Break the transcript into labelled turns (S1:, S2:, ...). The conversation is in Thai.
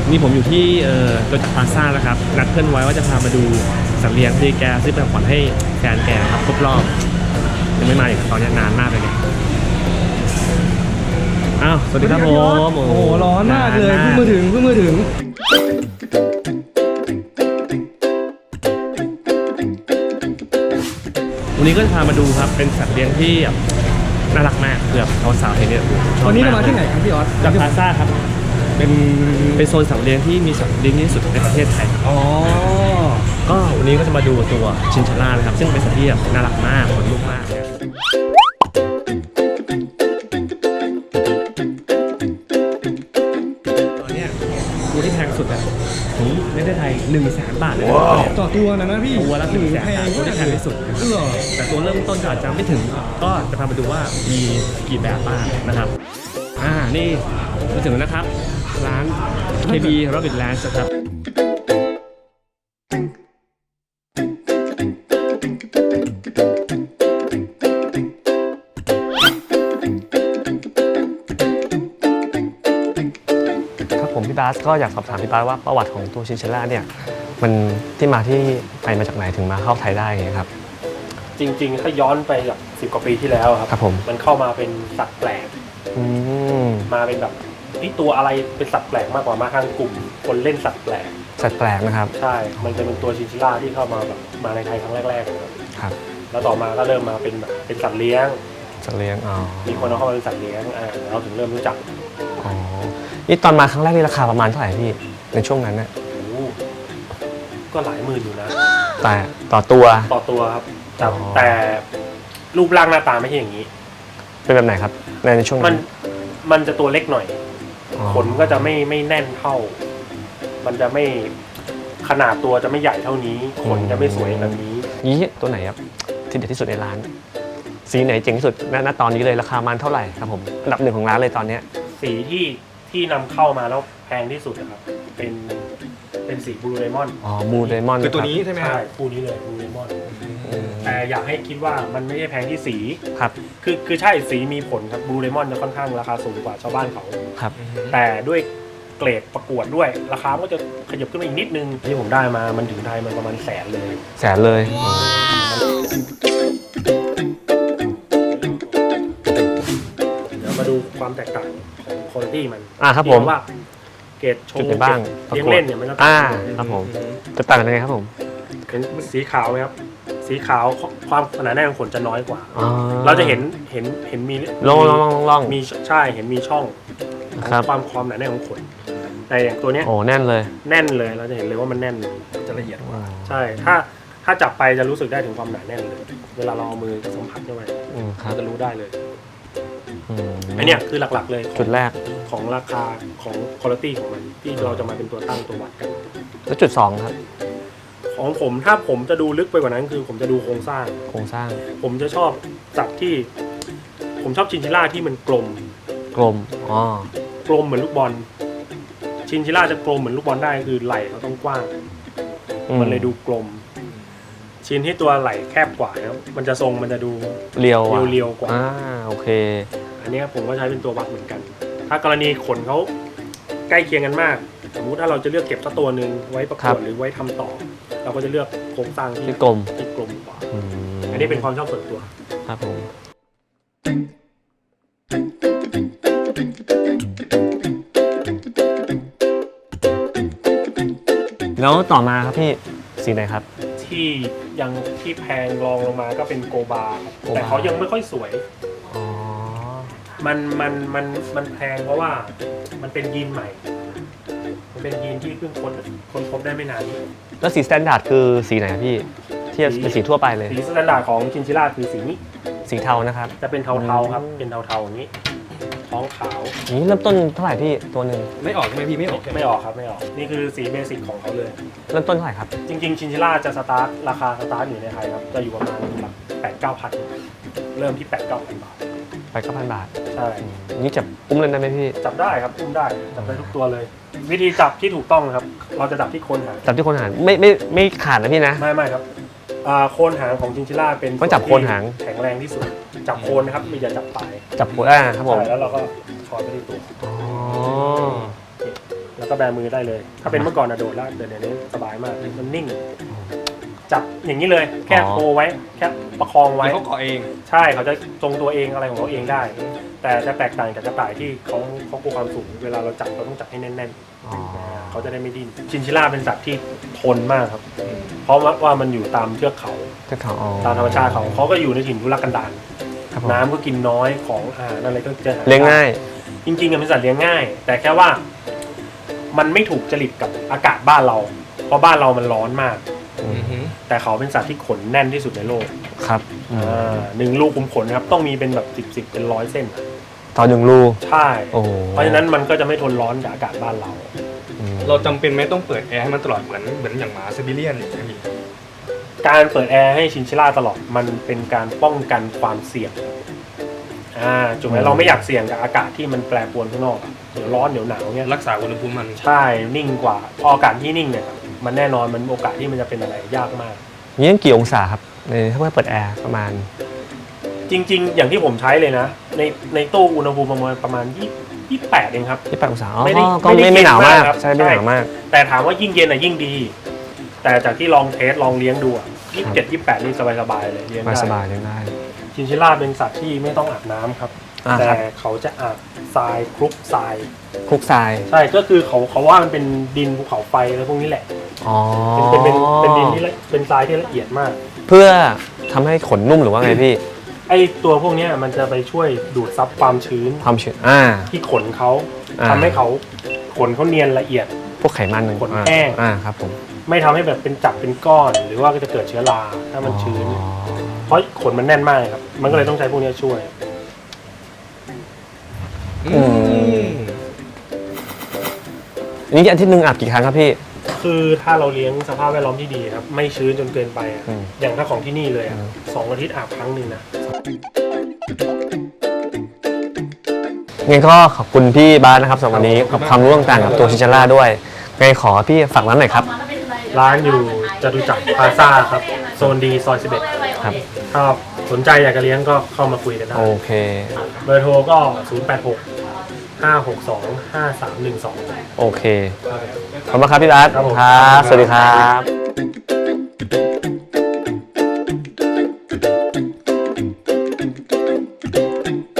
S1: นี่ผมอยู่ที่โดจักรพลาซ่าแล้วครับนัดเพื่อนไว้ว่าจะพามาดูสัตว์เลี้ยงที่แกซื้อเป็นของขวัญให้แฟนแกครับครบรอบยังไม่มาอีกตอนนี้นานมากเลยเนี่ยอ้าวสวัสดีครับผม
S2: โอ้โหร้อนมากเลยเพิ่งมาถึง
S1: วันนี้ก็จะพามาดูครับเป็นสัตว์เลี้ยงที่น่ารักมากเกือบสาวๆเห็นเนี่ย
S2: วันนี้เรามาที่ไหนครับพี่ออส
S1: จากพลาซ่าครับเป็นโซนสัตว์เลี้ยงที่มีสัตว์เลี้ยงที่สุดในประเทศไทย
S2: อ๋อ
S1: ก็วันนี้ก็จะมาดูตัวชินชาล่านะครับซึ่งเป็นสัตว์ที่น่ารักมากขนลุกมากเนี่ยตอนนี้ตัวที่แพงสุดอะถึงในประเทศไทย100,000 บาทเลยนะ
S2: ต่อตัวนะพี่
S1: ตัวละ100,000 บาทตัวที่แพงที่สุด
S2: เหรอ
S1: แต่ตัวเริ่มต้นก็อาจจะไม่ถึงก็จะพาไปดูว่ามีกี่แบบบ้างนะครับนี่มาถึงแล้วนะครับร้าน KB Rabbit Ranch ครับผมพี่บาสก็อยากสอบถามพี่บาสว่าประวัติของตัวชินชิล่าเนี่ยมันที่มาที่ไปมาจากไหนถึงมาเข้าไทยได้ไงครับ
S3: จริงๆถ้าย้อนไปแบบ10 กว่าปีที่แล้วครับมันเข้ามาเป็นสัตว์แปลกมาเป็นแบบนี่ตัวอะไรเป็นสัตว์แปลกมากกว่ามาทางกลุ่มคนเล่นสัตว์แปลก
S1: นะครับ
S3: ใช่มันจะเป็นตัวชินชิล่าที่เข้ามาแบบมาในไทยครั้งแรกๆครับแล้วต่อมาก็เริ่มมาเป็นแบบเป็นสัตว์เลี้ยงมีคนเอาเข้ามาเป็นสัตว์เลี้ยงเราถึงเริ่มรู้จัก
S1: นี่ตอนมาครั้งแรกนี่ราคาประมาณเท่าไหร่พี่ในช่วงนั้นเนี่ย
S3: ก็หลายหมื่นอยู่นะ
S1: แต่ต่อตัว
S3: ครับแต่รูปร่างหน้าตาไม่ใช่อย่างนี้
S1: เป็นแบบไหนครับในช่วงนั้น
S3: มันจะตัวเล็กหน่อยขนก็จะไม่แน่นเท่ามันจะไม่ขนาดตัวจะไม่ใหญ่เท่านี้ขนจะไม่สวยแบบนี้
S1: ตัวไหนครับที่เด็ดที่สุดในร้านสีไหนเจ๋งที่สุดณตอนนี้เลยราคามันเท่าไหร่ครับผมอันดับ1ของร้านเลยตอนนี้
S3: สีที่นำเข้ามาแล้วแพงที่สุดนะครับเป็นสีบลูไดมอนด์
S1: บลูไดมอนด์
S2: คือตัวนี้ใช่ไหม
S3: ใช่คู่นี้เลยบลูไดมอนด์แต่อยากให้คิดว่ามันไม่ใช่แพงที่สี
S1: ครับ
S3: คือใช่สีมีผลครับบลูไดมอนด์จะค่อนข้างราคาสูงกว่าชาวบ้านเขา
S1: ครับ
S3: แต่ด้วยเกรดประกวดด้วยราคาก็จะขยับขึ้นมาอีกนิดนึงที่ผมได้มามันถึงไทยมันประมาณ100,000เลยเดี๋ยวมาดูความแตกต่างของคุณภาพมัน
S1: ครับผม
S3: ว่าเกรดโชว์
S1: บ้าง
S3: เลี้ยงเล่นเนี่ยมันก็
S1: ครับผมจะต่างกันยังไงครับผม
S3: เป็นสีขาวไหมครับสีขาวความหนาแน่นของขนจะน้อยกว่าเราจะเห็นมี
S1: ล่อง
S3: มีใช่เห็นมีช่องความหนาแน่นของขนแต่อย่างตัวเนี้ย
S1: แน่นเลย
S3: เราจะเห็นเลยว่ามันแน่น
S2: จะละเอียดกว่า
S3: ใช่ถ้าจับไปจะรู้สึกได้ถึงความหนาแน่นเลยเวลาเราเอามือสัมผัสเข้าไปจะรู้ได้เลยอันนี้คือหลักๆเลย
S1: จุดแรก
S3: ของราคาของคุณภาพของมันที่เราจะมาเป็นตัวตั้งตัววัดกัน
S1: แล้วจุด2ครับ
S3: ของผมถ้าผมจะดูลึกไปกว่านั้นคือผมจะดูโครงสร้างผมจะชอบสัตว์ที่ผมชอบชินชิล่าที่มันกลม
S1: กลม
S3: เหมือนลูกบอลชินชิล่าจะกลมเหมือนลูกบอลได้คือไหล่เขาต้องกว้างมันเลยดูกลมชินที่ตัวไหล่แคบกว่าครับมันจะทรงมันจะดู
S1: เรี
S3: ยวกว่า
S1: โอเค
S3: อันนี้ผมก็ใช้เป็นตัววัดเหมือนกันถ้ากรณีขนเขาใกล้เคียงกันมากสมมุติถ้าเราจะเลือกเก็บสักตัวหนึ่งไว้ประกวดหรือไว้ทำต่อเราก็จะเลือกโครงสร้างที่
S1: กลม
S3: กว่าอันนี้เป็นความชอบส่วนตัว
S1: ครับผมแล้วต่อมาครับพี่สีไหนครับ
S3: ที่แพงรองลงมาก็เป็นโกบาแต่เขายังไม่ค่อยสวยมันแพงเพราะว่ามันเป็นยีนใหม่มันเป็นยีนที่เพิ่งคนพบได้ไม่นาน
S1: แล้วสีสแตนดาร์ดคือสีไหนครับพี่ที่เป็นสีทั่วไปเลย
S3: สีสแตนดาร์ดของชินชิล่าคือสีนี้
S1: สีเทานะครับ
S3: จะเป็นเทาๆครับเป็นเทาๆอย่างนี้ท้องขาว
S1: นี่เริ่มต้นเท่าไหร่พี่ตัวหนึ่ง
S2: ไม่ออกใช่ไหมพี่ไม่ออก
S3: ครับไม่ออกนี่คือสีเบสิกของเขาเลย
S1: เริ่มต้นเท่าไหร่ครับ
S3: จริงๆชินชิล่าจะราคาสตาร์ทอยู่ในไทยครับจะอยู่ประมาณแบบ8-9,000เริ่มที่8-9,000 บาท
S1: 8-9,000 บาท
S3: ใช่
S1: นี่จับอุ้มเล่นได้ไหมพี่
S3: จับได้ครับอุ้มได้จับได้ทุกตัวเลยวิธีจับที่ถูกต้องครับเราจะจับที่โคนหาง
S1: ไม่ขาดนะพี่นะ
S3: ไม่ครับโคนหางของชินชิล่าเป็น
S1: ก็จับโคนหาง
S3: แข็งแรงที่สุดจับโคนนะครับไม่อย่าจับปลาย
S1: จับโคนครับผม
S3: แล้วเราก็ช้อนไปที่ตัวแล้วก็แบมือได้เลย ถ้าเป็นเมื่อก่อนอะโดดแล้วแต่เดี๋ยวนี้สบายมากมันนิ่ง จับอย่างนี้เลยแค่โคไว้แค่ประคองไว้
S2: เขาเกาะเอง
S3: ใช่เขาจะทรงตัวเองอะไรของเขาเองได้ แต่จะแตกต่างจากกระต่ายที่เขากลัวความสูงเวลาเราจับเราต้องจับให้แน่น
S1: อ๋อ
S3: ๆเขาจะได้ไม่ดิ้นชินชิล่าเป็นสัตว์ที่ทนมากครับ เพราะว่ามันอยู่ตามเทือกเขา
S1: เจ้าเขาอ๋อ
S3: ตามธรรมชาติเขาก็อยู่ในถิ่นทุรกันดาร
S1: ครับผม
S3: น้ำก็กินน้อยของอาหารอะไรก็จะห
S1: เลี้ยงง่าย
S3: จริงๆอะเป็นสัตว์เลี้ยงง่าย แต่แค่ว่ามันไม่ถูกจริตกับอากาศบ้านเรา เพราะบ้านเรามันร้อนมาก แต่เขาเป็นสัตว์ที่ขนแน่นที่สุดในโลก
S1: ครับ
S3: หนึ่งลูกขุมขนครับต้องมีเป็นแบบสิบเป็นร้อยเส้นอะ
S1: ตอนหนึ่งรู
S3: ใช่
S1: โอ้โห
S3: เพราะฉะนั้นมันก็จะไม่ทนร้อนกับอากาศบ้านเรา
S2: เราจำเป็นไหมต้องเปิดแอร์ให้มันตลอดเหมือนอย่างหมาซิบิเลียนอย่างเงี้ยพี่
S3: การเปิดแอร์ให้ชินชิล่าตลอดมันเป็นการป้องกันความเสี่ยงถูกไหมเราไม่อยากเสี่ยงกับอากาศที่มันแปรปรวนข้างนอกอะเดี๋ยวร้อนเดี๋ยวหนาวเนี่ย
S2: รักษาอุณหภูมิมัน
S3: ใช่นิ่งกว่าพออากาศที่นิ่งเนี่ยมันแน่นอนมันโอกาสที่มันจะเป็นอะไรยากมาก
S1: นี่กี่องศาครับในถ้าเมื่อเปิดแอร์ประมาณ
S3: จริง ๆ อย่างที่ผมใช้เลยนะ ในตู้อุณหภูมิประมาณ28เองครับ
S1: 28องศาอ๋อ
S3: ไม่ได้
S1: ก็
S3: ไม่ได้
S1: ไม่หนาวมาก
S3: เย็นมากครับ
S1: ใช่ไม่หนาวมาก
S3: แต่ถามว่ายิ่งเย็นยิ่งดี แต่จากที่ลองเทสลองเลี้ยงดู27 28นี่สบายๆเลยเลี้ยงได้
S1: สบายๆเลี้ยงได้
S3: ชินชิล่าเป็นสัตว์ที่ไม่ต้องอาบน้ำครับ
S1: อ่า
S3: แต่
S1: ครับ
S3: เขาจะอาบทรายคลุกทราย
S1: คลุกทราย
S3: ใช่ก็คือเขาว่ามันเป็นดินภูเขาไฟอะไรพวกนี้แหละ
S1: อ๋อ
S3: เป็นดินที่เป็นทรายที่ละเอียดมาก
S1: เพื่อทำให้ขนนุ่มหรือว่าไงพี่
S3: ไอตัวพวกเนี้ยมันจะไปช่วยดูดซับความชื้น
S1: ความชื้น
S3: ที่ขนเขา
S1: อ่า
S3: ทำให้เขาขนเขาเนียนละเอียด
S1: พวกไขมันหนึ่ง
S3: ขนแห้ง
S1: ครับผม
S3: ไม่ทำให้แบบเป็นจับเป็นก้อน หรือว่าก็จะเกิดเชื้อราถ้ามันชื้น
S1: อ๋อ
S3: เพราะขนมันแน่นมากครับ มันก็เลยต้องใช้พวกเนี้ยช่วย
S1: นี่อาทิตย์หนึ่งอาบกี่ครั้งครับพี่
S3: คือถ้าเราเลี้ยงสภาพแวดล้อมที่ดีครับไม่ชื้นจนเกินไปอะ
S1: อืม
S3: อย่างถ้าของที่นี่เลยอะ2 อาทิตย์อาบครั้งหนึ่งนะ
S1: งั้นก็ขอบคุณพี่บาสนะครับสำหรับวันนี้กับความรู้ต่างๆกับตัวชินชาร่าด้วยไงขอพี่ฝากร้านหน่อยครับ
S3: ร้านอยู่จตุจักรพลาซ่าครับโซนดีซอย11
S1: ครับ
S3: ถ้าสนใจอยากจะเลี้ยงก็เข้ามาคุยกันได้
S1: โอเค
S3: เบอร์โทรก็ 086 562 5312
S1: โอเค ขอบคุณครับพี่บาส
S3: ครับผม
S1: ครับสวัสดีครับ